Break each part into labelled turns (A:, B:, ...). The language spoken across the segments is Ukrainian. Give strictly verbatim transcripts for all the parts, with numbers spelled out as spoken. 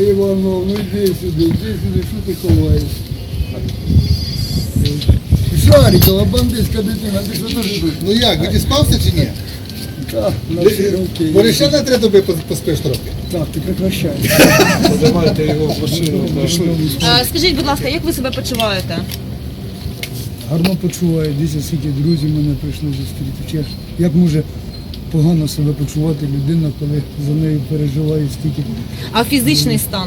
A: Иванов, ну иди сюда, иди сюда, что ты ховаешь? Шарикова, бандитська дитина, ти що дуже тут?
B: Ну як, відіспався чи ні?
A: Так, на всі руки.
B: Бо ще на три доби поспиш трохи.
A: Так, ти прекращай.
C: Подавайте його в машину. Пішли.
D: А, скажіть, будь ласка, як ви себе почуваєте?
A: Гарно почуваю, дивіться, скільки друзів мене прийшли зустріти. Чи Як може погано себе почувати людина, коли за нею переживає стільки?
D: А фізичний стан?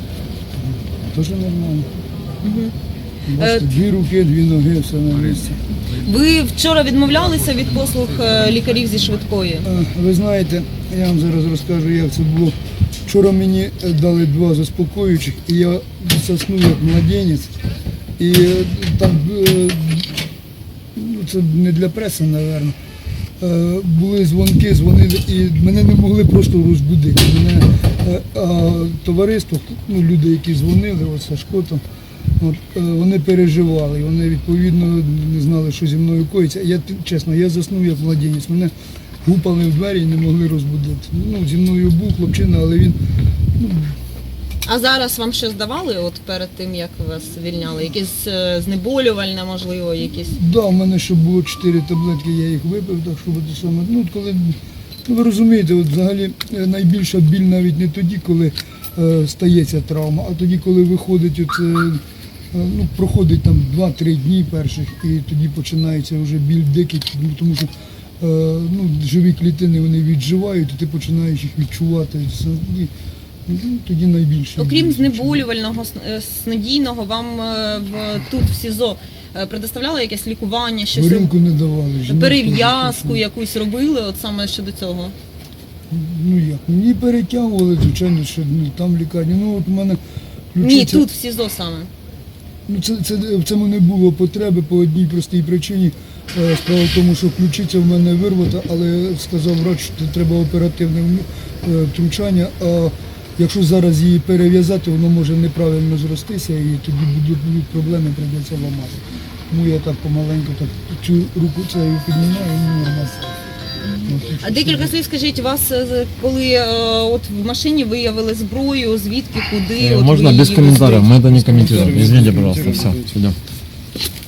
A: Дуже нормально.
D: Угу.
A: Бачите, дві руки, дві ноги, все на місці.
D: Ви вчора відмовлялися від послуг е, лікарів зі швидкої?
A: Е, Ви знаєте, я вам зараз розкажу, як це було. Вчора мені е, дали два заспокоюючих, і я заснув як младенець. І е, там, е, ну, це не для преси, мабуть, е, були дзвонки, дзвонили, і мене не могли просто розбудити. Мене е, а, товариство, ну, люди, які дзвонили, от Сашко там, от, е, вони переживали, вони відповідно не знали, що зі мною коїться. Я, чесно, я заснув як младенець, мене гупали в двері і не могли розбудити. Ну, зі мною був хлопчина, але він, ну,
D: А зараз вам щось давали от перед тим, як вас звільняли? Якесь е, знеболювальне, можливо, якісь?
A: да, у мене ще було чотири таблетки, я їх випив, так що буде саме. Ну, от коли, ну, ви розумієте, от взагалі е, найбільша біль навіть не тоді, коли е, стається травма, а тоді, коли виходить, оце, е, ну, проходить там два-три дні перших, і тоді починається вже біль дикий, ну, тому що е, ну, живі клітини вони відживають, і ти починаєш їх відчувати. І, ну, тоді найбільше.
D: Окрім
A: біль.
D: знеболювального, с- снодійного, вам е, в, тут в СІЗО е, предоставляли якесь лікування, щось
A: Горілку не давали. жінок
D: перев'язку
A: теж.
D: якусь робили, от саме щодо цього?
A: Ну як, мені перетягували, звичайно, що ну, там в лікарні. Ну от у мене
D: Ні,
A: ключиця-
D: тут в СІЗО саме.
A: Ну, це, це, в цьому не було потреби по одній простій причині. Е, Справа в тому, що ключиця в мене вирвата, але сказав врач, що треба оперативне вмі- е, втручання. А якщо зараз її перев'язати, воно може неправильно зростися і тоді будуть, будуть проблеми, прийдеться ламати. Тому я так помаленьку так цю руку цією піднімаю, і мені нормально.
D: А декілька слів скажіть, вас е, коли е, от в машині виявили зброю, звідки, куди?
E: Э,
D: от
E: Можно
D: ви
E: без
D: її
E: комментариев,
D: везли?
E: мы это не комментируем. Извините, пожалуйста, все, идем.